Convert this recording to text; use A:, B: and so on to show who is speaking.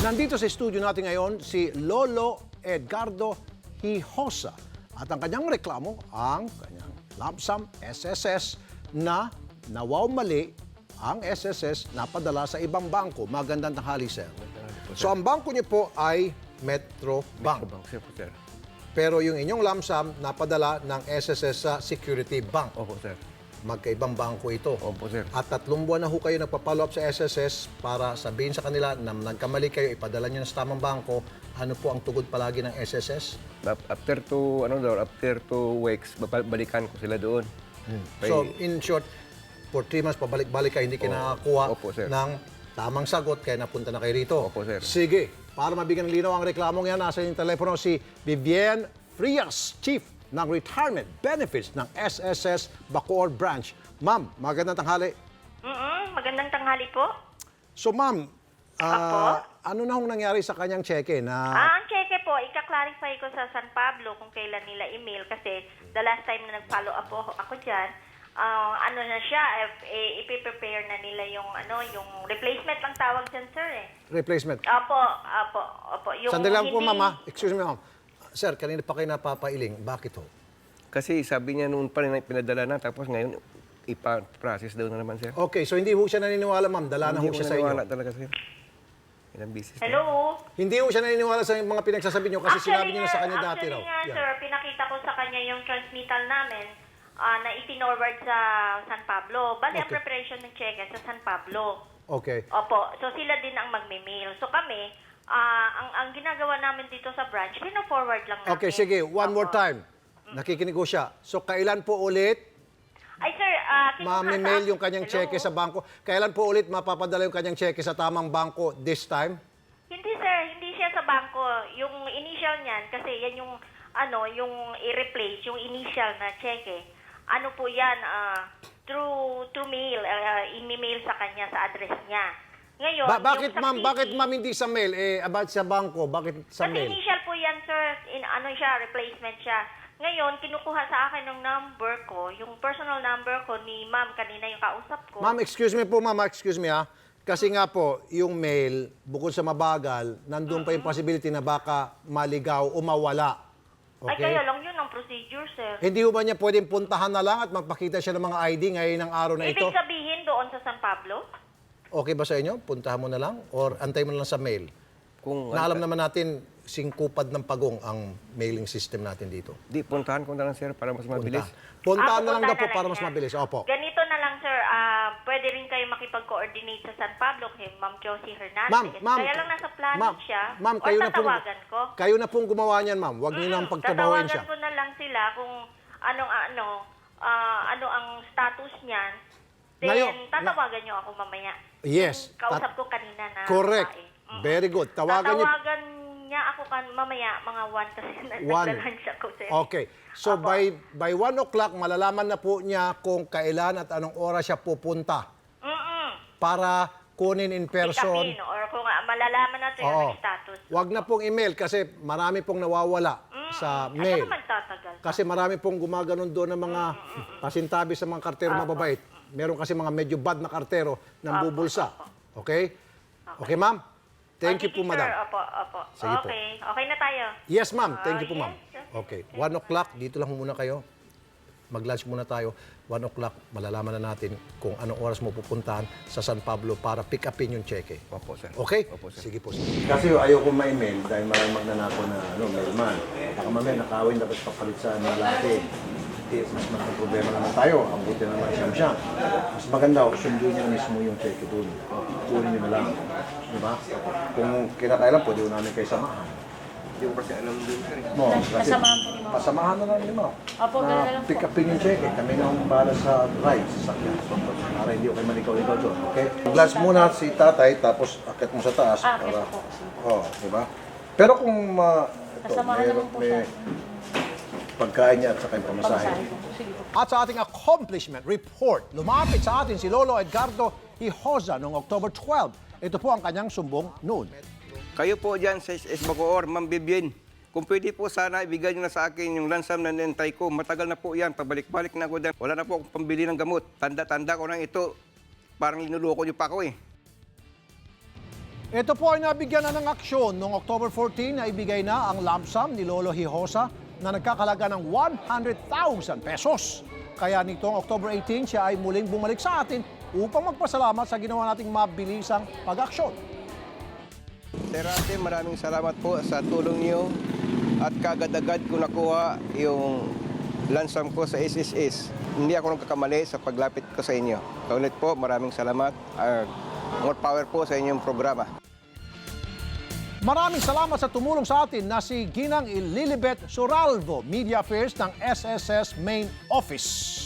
A: Nandito sa studio natin ngayon si Lolo Edgardo Hijosa at ang kanyang reklamo ang kanyang lump sum SSS na nawawmali ang SSS na padala sa ibang bangko. Magandang tanghali, sir. So ang bangko niyo po ay Metro Bank.
B: Sir, po, sir.
A: Pero yung inyong lump sum napadala ng SSS sa Security Bank.
B: Opo, sir.
A: Magkaibang bangko ito.
B: Opo, sir.
A: At 3 buwan na ho kayo nagpa-follow up sa SSS para sabihin sa kanila na nagkamali kayo, ipadala nyo na sa tamang bangko. Ano po ang tugod palagi ng SSS?
B: After 2 weeks, balikan ko sila doon.
A: So, in short, for 3 months, pabalik-balik kayo, hindi kayo nakakuha
B: Opo, sir.
A: ng tamang sagot, kaya napunta na kayo rito.
B: Opo, sir.
A: Sige, para mabigyan ng linaw ang reklamong yan, nasa inyong telepono si Vivienne Frias, Chief ng Retirement Benefits ng SSS Bacoor Branch. Ma'am, magandang tanghali.
C: Magandang tanghali po.
A: So, ma'am,
C: Apo?
A: ano na hong nangyari sa kanyang cheque na...
C: Ang cheque po, ika-clarify ko sa San Pablo kung kailan nila email kasi the last time na nag-follow up ako dyan, ano na siya, ipiprepare na nila yung replacement lang tawag dyan, sir eh.
A: replacement?
C: Opo. Yung
A: Sandali lang po,
C: hindi-
A: ma'am. Excuse me, ma'am. Sir, kanina pa kayo napapailing. Bakit ho?
B: Kasi sabi niya noon pa rin pinadala na, tapos ngayon ipa-process daw na naman, sir.
A: Okay, so hindi ho siya naniniwala, ma'am. Dala na ho
B: Hindi
A: siya
B: ko
A: sa
B: naniwala
A: inyo.
B: talaga, sir. Ilang business na.
C: Hello?
A: Hindi ho siya naniniwala sa mga pinagsasabi niyo kasi sinabi niyo na sa kanya dati raw.
C: Actually nga,
A: Yeah.
C: sir, pinakita ko sa kanya yung transmittal namin na itinorward sa San Pablo. Bali, ang
A: Okay.
C: preparation ng cheque sa San Pablo.
A: Okay.
C: Opo. So, sila din ang magme-mail. So, kami, ang ginagawa namin dito sa branch, pina-forward lang namin.
A: Okay, sige. One more
C: Opo.
A: time. Nakikinig ho siya. So, kailan po ulit
C: Ay, sir,
A: ma-mail yung kanyang cheque sa bangko? Kailan po ulit mapapadala yung kanyang cheque sa tamang bangko this time?
C: Hindi, sir. Hindi siya sa bangko. Yung initial niyan, kasi yan yung, yung i-replace, yung initial na cheque. Ano po yan, through mail, i-mail sa kanya, sa address niya. Ngayon,
A: Bakit,
C: yung sa
A: ma'am?
C: CD,
A: Bakit, ma'am, hindi sa mail? About sa bangko, bakit sa
C: Kasi
A: mail?
C: initial po yan, sir. Replacement siya. Ngayon, kinukuha sa akin ng number ko, yung personal number ko ni ma'am, kanina yung kausap ko.
A: Ma'am, excuse me po, ma'am. Excuse me, ha. Kasi nga po, yung mail, bukod sa mabagal, nandun pa yung possibility na baka maligaw o mawala.
C: Ay,
A: Okay?
C: kaya lang yun ang procedure, sir.
A: Hindi ho ba niya pwedeng puntahan na lang at magpakita siya ng mga ID ngayon ng araw na ito?
C: Ibig sabihin doon sa San Pablo?
A: Okay ba sa inyo? Puntahan mo na lang? Or antay mo na lang sa mail?
B: Kung
A: Na alam naman natin, singkupad ng pagong ang mailing system natin dito.
B: di, puntahan ko na lang, sir, para mas mabilis.
A: Puntahan na lang daw
C: pupunta
A: po para mas
C: siya.
A: mabilis. Opo.
C: Ganito na lang, sir. Pwede rin kayo makipag-coordinate sa San Pablo kay Ma'am Josie Hernandez.
A: Ma'am,
C: Kaya lang nasa planning
A: ma'am,
C: siya.
A: ma'am,
C: Or
A: kayo na pong,
C: tatawagan ko.
A: kayo na pong gumawa niyan, ma'am. Huwag niyo nang pagtrabahuin siya.
C: Tatawagan ko na lang sila kung ano ang status niyan. Then,
A: Ngayon,
C: tatawagan niyo ako mamaya.
A: Yes.
C: Yung kausap ko kanina na
A: Correct.
C: babae.
A: Very good. Tawagan niyo.
C: Tatawagan niya ako mamaya, mga 1 kasi naglalunch ako, sir.
A: Okay. So
C: Opo.
A: by 1 o'clock, malalaman na po niya kung kailan at anong oras siya pupunta para kunin in person.
C: Pick-upin, or kung malalaman natin
A: Oo.
C: yung status.
A: Huwag na pong email kasi marami pong nawawala sa mail.
C: Ano naman tatagal?
A: Kasi marami pong gumaganon doon ng mga pasintabi sa mga kartero mababait. Meron kasi mga medyo bad na kartero ng bubulsa. Okay? Okay, ma'am? Thank you po,
C: Sige,
A: madam.
C: Sir. Opo.
A: Sige po.
C: Okay na tayo.
A: Yes, ma'am. Thank you po,
C: Yes,
A: ma'am. Okay. 1 o'clock, dito lang muna kayo. Mag-lunch muna tayo. 1 o'clock, malalaman na natin kung anong oras mo pupuntahan sa San Pablo para pick upin yung cheque.
B: Opo, sir.
A: Okay?
B: Opo, sir.
A: Sige po. Kasi ayaw ko ma-email dahil maraming magnanako na mailman. Baka mamaya nakawin dapat papalit sa lalaki. Mas malaking problema naman tayo. Ang buti naman siyam-siyam. Mas maganda, sunduin niyo mismo yung cheque doon. Kunin niyo na lang. Di ba? Kung kinakailan, pwede ko namin kayo samahan.
B: Hindi ko kasi alam din, sir.
A: No, kasi
D: Pasamahan po ni Ma'am.
A: pasamahan na lang ni Ma'am.
D: Opo, ganun na lang po.
A: Pick upin yung cheque. Kami na ang bahala sa ride, sa sakyan. Para hindi ko kayo malikaw-ikaw doon. Okay? Glass muna si tatay, tapos akit mo sa taas.
D: Akit
A: para,
D: po.
A: oh, di ba? Pero kung
D: Pasamahan naman po siya.
A: pagkain niya at saka yung pamasahe.
D: Pamasahe po. Sige po.
A: At sa ating accomplishment report, lumapit sa atin si Lolo Edgardo Hijosa noong October 12. Ito po ang kanyang sumbong noon.
B: Kayo po dyan sa SS Bacoor, Ma'am Vivienne. Kung pwede po sana ibigay nyo na sa akin yung lansam na nintay ko. Matagal na po yan. Pabalik-balik na ako dyan. Wala na po akong pambili ng gamot. Tanda-tanda ko na ito. Parang linuloko nyo pa ako eh.
A: Ito po ay nabigyan na ng aksyon. Noong October 14 na ibigay na ang lump sum ni Lolo Hijosa na nagkakalaga ng 100,000 pesos. Kaya nitong October 18, siya ay muling bumalik sa atin upang magpasalamat sa ginawa nating mabilisang pag-aksyon.
B: Sir Ate, maraming salamat po sa tulong niyo at kagad-agad ko nakuha yung lansam ko sa SSS. Hindi ako nagkakamali sa paglapit ko sa inyo. Kaulit po, maraming salamat. More power po sa inyong programa.
A: Maraming salamat sa tumulong sa atin na si Ginang Lilibet Suralvo, Media Affairs ng SSS Main Office.